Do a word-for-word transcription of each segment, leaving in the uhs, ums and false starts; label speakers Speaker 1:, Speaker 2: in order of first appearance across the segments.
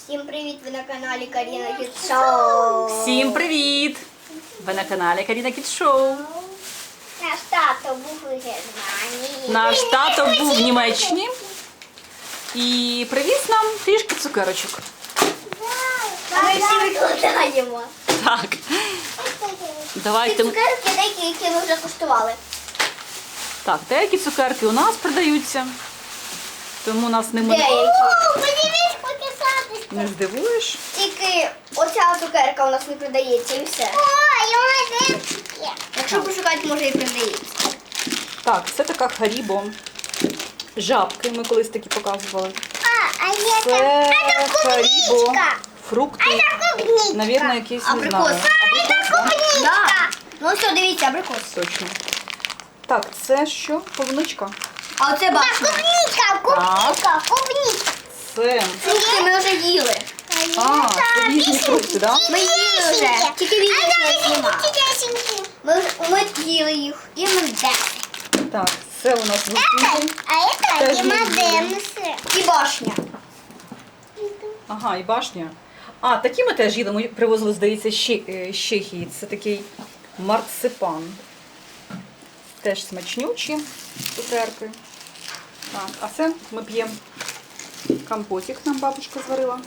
Speaker 1: Всім привіт! Ви на каналі Каріна Кіт Шоу.
Speaker 2: Всім привіт! Ви на каналі Каріна Кіт Шоу.
Speaker 1: Наш тато був у Германії.
Speaker 2: Наш тато був в Німеччині і привіз нам трішки цукерочок.
Speaker 1: А ми всі викладаємо.
Speaker 2: Так.
Speaker 1: Ці
Speaker 2: Давайте.
Speaker 1: цукерки деякі, які ми вже куштували.
Speaker 2: Так, деякі цукерки у нас продаються, тому нас не
Speaker 1: Деякі.
Speaker 2: буде.
Speaker 1: Подивись, покисатись.
Speaker 2: Не здивуєш?
Speaker 1: Тільки оця цукерка у нас не продається і все. Ой, у мене. Якщо пошукати, може і продається.
Speaker 2: Так, це така Харібо. Жабки ми колись такі показували.
Speaker 1: А, а є
Speaker 2: Це Харібо. Фрукти.
Speaker 1: клубничка.
Speaker 2: Навірно, якісь, не
Speaker 1: Абрикос.
Speaker 2: знаю. Абрикос, да?
Speaker 1: Да. Ну все, дивіться, абрикос.
Speaker 2: Точно. Так, це що? Полуничка?
Speaker 1: А оце башня. Клубничка,
Speaker 2: клубничка,
Speaker 1: клубничка.
Speaker 2: Це.
Speaker 1: Фрукти ми вже їли.
Speaker 2: А, це різні фрукти, так?
Speaker 1: Ми їли вже. Тільки відео не знімали. Ми, ми їли їх. І ми де.
Speaker 2: Так, це у нас вишеньки.
Speaker 1: А
Speaker 2: Теж
Speaker 1: це
Speaker 2: ми
Speaker 1: Дімадемси. І башня.
Speaker 2: Ага, і башня. А, такі ми теж їли. Ми привозили, здається, з Ще- е, з Чехії. Це такий марципан. Теж смачнючі цукерки. Так, а це ми п'ємо компотик, нам бабушка зварила.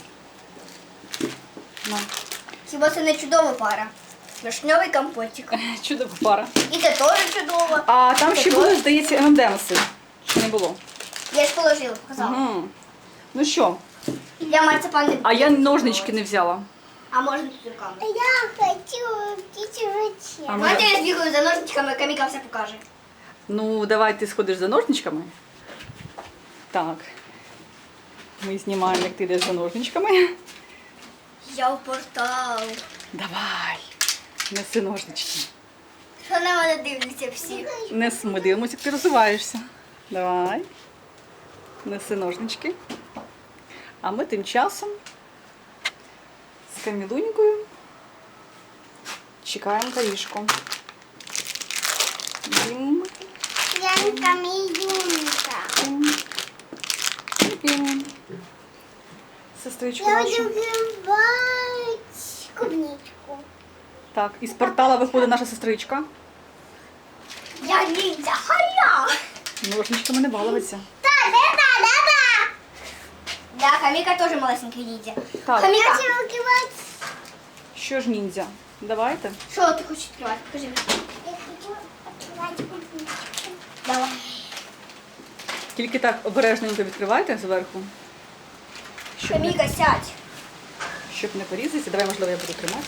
Speaker 2: На.
Speaker 1: Хіба це не чудова пара? Вишньовий компотик.
Speaker 2: Чудова пара.
Speaker 1: І це теж чудово.
Speaker 2: А там
Speaker 1: Це
Speaker 2: ще
Speaker 1: теж.
Speaker 2: були, здається, ем ем ем еси. Чи не було?
Speaker 1: Я ж положила, показала.
Speaker 2: Угу. Ну що,
Speaker 1: Я марципан не
Speaker 2: а я ножнички не взяла.
Speaker 1: А можна тут руками.
Speaker 3: Я хочу птичьи.
Speaker 2: А ми-
Speaker 1: Давайте я збігаю за ножничками, Каміка все покаже.
Speaker 2: Ну, давай ти сходиш за ножничками. Так. Ми знімаємо, як ти йдеш за ножничками.
Speaker 1: Я в портал.
Speaker 2: Давай. Неси ножнички.
Speaker 1: Що на мене дивляться всі?
Speaker 2: Нес, ми дивимося, як ти розвиваєшся. Давай. Неси ножнички. А ми тим часом з Камілунькою чекаємо Карішку. Дім.
Speaker 3: Янка Миюнка.
Speaker 2: Дім. Дім. Сестричку
Speaker 3: Я
Speaker 2: нашу.
Speaker 3: люблю бать клубничку.
Speaker 2: Так, із портала виходить наша сестричка.
Speaker 1: Я ніндзя, харя!
Speaker 2: Ножничками не балуватися.
Speaker 3: Да-да-да-да-да.
Speaker 1: Да, Каміка теж малесенький ніндзя.
Speaker 2: Так,
Speaker 1: Каміка,
Speaker 3: Я хочу открывать.
Speaker 2: що ж ніндзя? Давайте.
Speaker 1: що ти хочеш відкривати? Покажи мені.
Speaker 3: Я хочу открывать клубничку.
Speaker 1: Давай.
Speaker 2: Тільки так обережненько відкривайте зверху, щоб не,
Speaker 1: Каміка, сядь.
Speaker 2: щоб не порізатися. Давай, можливо, я буду тримати.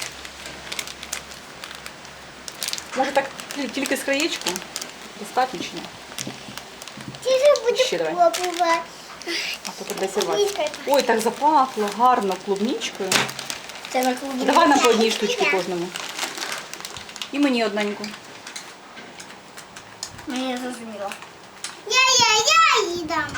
Speaker 2: Може так ті- тільки з краєчку? Достатньо чи ні?
Speaker 3: Ты же будешь
Speaker 2: Ще давай.
Speaker 3: пробовать.
Speaker 2: А то кудись рвати.
Speaker 3: Клубничка.
Speaker 2: Ой, так запахло гарно клубничкою.
Speaker 1: Це на клубі.
Speaker 2: Давай нам по одній штучці кожному. І мені одненьку.
Speaker 1: Мені не зрозуміло.
Speaker 3: Я-я-я и дам.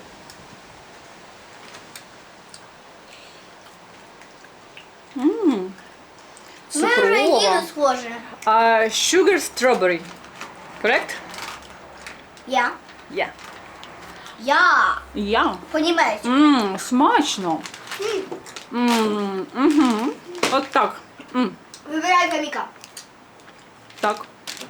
Speaker 2: Ммм.
Speaker 1: Ми вже їли
Speaker 2: Цукрова.
Speaker 1: схоже.
Speaker 2: А, sugar strawberry. Correct?
Speaker 1: Я.
Speaker 2: Yeah.
Speaker 1: Я.
Speaker 2: Я.
Speaker 1: По-німецьки.
Speaker 2: Ммм, смачно. Ммм, угу. От так. М,
Speaker 1: Вибирай Каміка.
Speaker 2: так.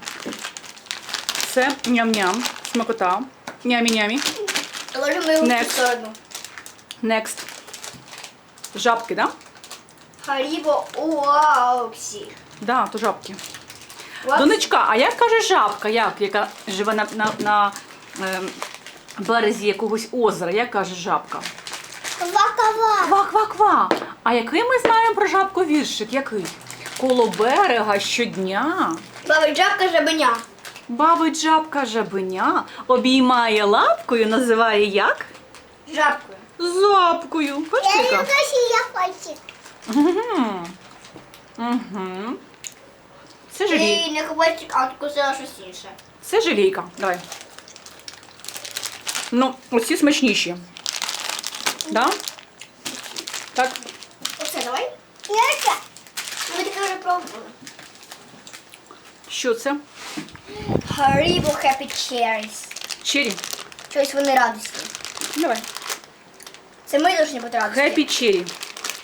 Speaker 2: Це ням-ням, смакота. Нямі-нямі.
Speaker 1: Ложимо його в цю
Speaker 2: Next.
Speaker 1: сторону.
Speaker 2: Next. Жабки, да?
Speaker 1: Харібо Уаупсі.
Speaker 2: Да, то жабки.
Speaker 1: Уапсі.
Speaker 2: Донечка, а як каже жабка, як, яка живе на, на, на ем, березі якогось озера, як каже жабка?
Speaker 3: Ква-ква.
Speaker 2: Ква-ква-ква. А який ми знаємо про жабку віршик? Який? Коло берега щодня
Speaker 1: Баба Джабка жабеня.
Speaker 2: бабить жабка жабеня, обіймає лапкою, називає як?
Speaker 1: Жабкою.
Speaker 2: Запкою.
Speaker 3: Я
Speaker 2: Бачите,
Speaker 3: люблю
Speaker 2: яка?
Speaker 3: синяхольчик.
Speaker 2: Угу. Угу. Це желій.
Speaker 1: І не хвостик, а откусила щось інше.
Speaker 2: Це желейка. Давай. Ну, оці смачніші. Да? Так.
Speaker 1: Оце давай.
Speaker 3: Яка?
Speaker 1: Ми таке вже пробували.
Speaker 2: Що це?
Speaker 1: Харібо Happy Cherries.
Speaker 2: Чері.
Speaker 1: Щось вони радісні.
Speaker 2: Давай.
Speaker 1: Це ми повинні бути радісні.
Speaker 2: Happy Cherry.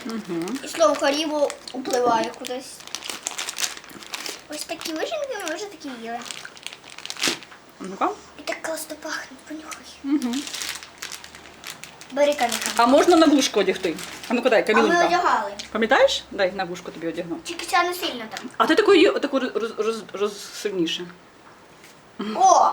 Speaker 2: Угу.
Speaker 1: І слово Харібо впливає кудись. Ось такі вишеньки ми вже такі їли.
Speaker 2: Ну-ка.
Speaker 1: І так класно пахне, понюхай.
Speaker 2: Угу.
Speaker 1: Бери камінка.
Speaker 2: А можна на вушко одягти? А ну-ка дай,
Speaker 1: А ми
Speaker 2: Камілунька.
Speaker 1: одягали.
Speaker 2: Пам'ятаєш? Дай на вушко тобі одягну.
Speaker 1: Тільки ця не сильно там.
Speaker 2: А ти такої, таку роз, роз, роз, сильніше.
Speaker 1: О!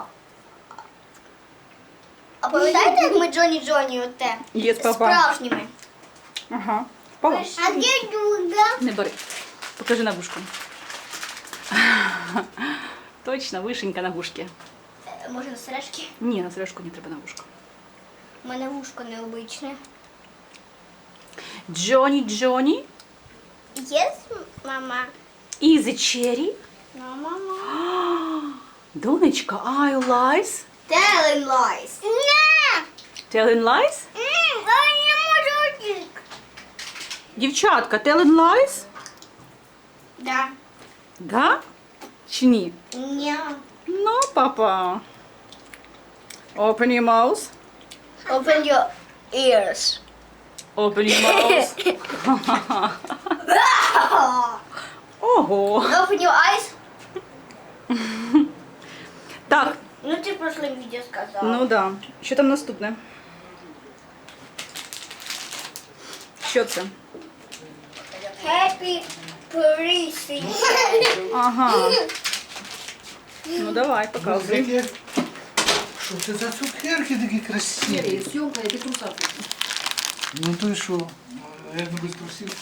Speaker 1: А пам'ятаєте, як ми Джоні Джоні оте?
Speaker 2: Є папа.
Speaker 1: Справжніми.
Speaker 2: Ага. Впала?
Speaker 3: А где друга?
Speaker 2: Не бери. Покажи на вушко. Точно, вишенька на вушки.
Speaker 1: Е, Може на сережки?
Speaker 2: Ні, на сережку не треба на вушко.
Speaker 1: У мене вушко необичне.
Speaker 2: Джоні Джоні.
Speaker 3: Yes, мама.
Speaker 2: Is it cherry?
Speaker 3: No, мама.
Speaker 2: Донечка, are you lies?
Speaker 1: Telling lies.
Speaker 3: Не!
Speaker 2: Telling lies?
Speaker 3: М, я не можу йти.
Speaker 2: Дівчатка, telling lies?
Speaker 1: Да.
Speaker 2: Да? Чи ні?
Speaker 1: Ні.
Speaker 2: Ну, папа. Open your mouth.
Speaker 1: Open your ears.
Speaker 2: Open your mouth. Ого.
Speaker 1: Open your eyes.
Speaker 2: Так,
Speaker 1: Ну ти в прошлом відео сказала.
Speaker 2: ну да. Що там наступне? Що це?
Speaker 1: Happy birthday.
Speaker 2: Ага. Ну давай, показуй.
Speaker 4: Таке- Що це за цукерки такі красиві?
Speaker 5: Съемка, я без труса.
Speaker 4: Ну то й що? Я не без трусів.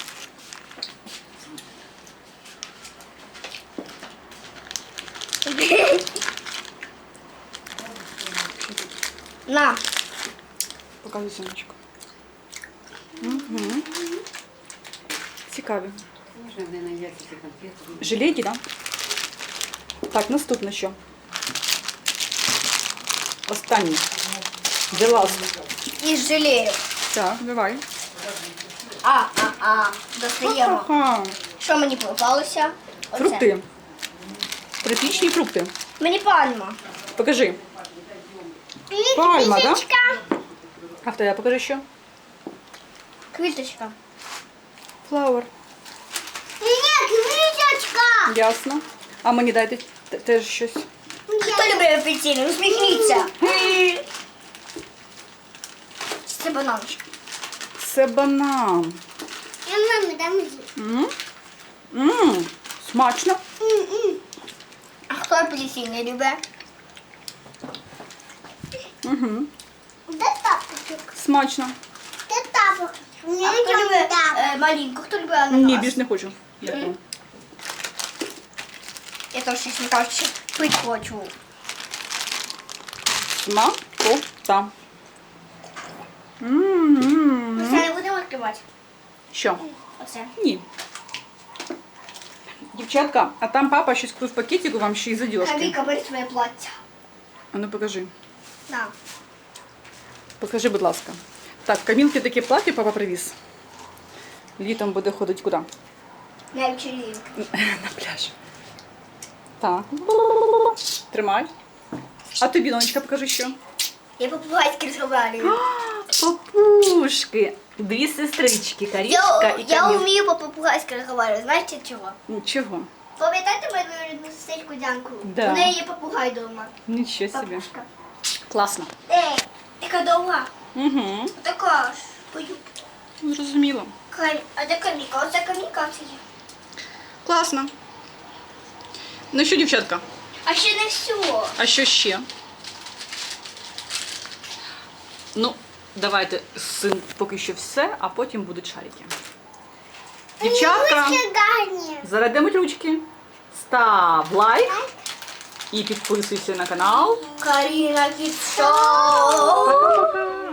Speaker 1: На.
Speaker 2: Показуй сумочку. Угу. Цікаві.
Speaker 5: Можно мне найти эти конфеты?
Speaker 2: Жилейки, да? Так, наступне що? Останній. The last.
Speaker 1: Із жалею.
Speaker 2: Так, давай.
Speaker 1: А, а, а. Достаємо.
Speaker 2: Ага.
Speaker 1: Що мені попалося? Оце.
Speaker 2: Фрукти. Тропічні фрукти.
Speaker 1: Мені пальма.
Speaker 2: Покажи. Пальма, да?
Speaker 3: Квіточка.
Speaker 2: А в тебе покажи що?
Speaker 1: Квіточка.
Speaker 2: Flower.
Speaker 3: Ні, квіточка.
Speaker 2: Ясно. А мені дайте те- теж щось.
Speaker 1: Хто любить апельсини? Усміхніться. Це бананчик.
Speaker 2: Це банан.
Speaker 3: Я мамі дам зі.
Speaker 2: М? М, смачно.
Speaker 1: А хто апельсини любить?
Speaker 2: Угу.
Speaker 3: Де тапочок?
Speaker 2: Смачно.
Speaker 3: Де тапок? Мені
Speaker 1: А хто
Speaker 3: нічого не
Speaker 1: любить
Speaker 3: дав.
Speaker 1: е, малинку? Хто любить ананас?
Speaker 2: Ні, більш не хочу. Дякую.
Speaker 1: Я теж, чесно кажучи, пить хочу.
Speaker 2: Смакота. М-м-м.
Speaker 1: Ми це не будемо відкривати.
Speaker 2: Що?
Speaker 1: Оце.
Speaker 2: Ні. Дівчатка, а там папа щось купив в пакетику вам ще й задіжки.
Speaker 1: Каміка, бери своє плаття.
Speaker 2: А ну покажи.
Speaker 1: На.
Speaker 2: Покажи, будь ласка. Так, Камілки таке плаття папа привіз. Літом буде ходити куди?
Speaker 1: На вечеринку.
Speaker 2: На пляж. Так. Тримай. А тобі, донечка, покажи що.
Speaker 1: Я по-попугайськи розмовляю.
Speaker 2: Папушки. Дві сестрички, Карічка
Speaker 1: Я,
Speaker 2: і
Speaker 1: я
Speaker 2: Камілка.
Speaker 1: вмію по-попугайськи розмовляти. Знаєте чого?
Speaker 2: Нічого.
Speaker 1: Пам'ятаєте мою рідну сестричку Дянку?
Speaker 2: Да.
Speaker 1: У неї є попугай вдома.
Speaker 2: Нічого собі.
Speaker 1: Папушка.
Speaker 2: Класно.
Speaker 1: Ей, така довга.
Speaker 2: Угу.
Speaker 1: Така ж. Пою.
Speaker 2: Зрозуміло.
Speaker 1: Кам- А де каміка? Оце каміка це є.
Speaker 2: Класно. Ну що, дівчатка?
Speaker 1: А ще не все.
Speaker 2: А що ще? Ну, давайте з цим поки що все, а потім будуть шарики. Дівчатка,
Speaker 3: Ручки гарні.
Speaker 2: зарадимуть ручки. Став лайк і підписуйся на канал.
Speaker 1: Каріна Кіт Шоу.
Speaker 2: Пока-пока.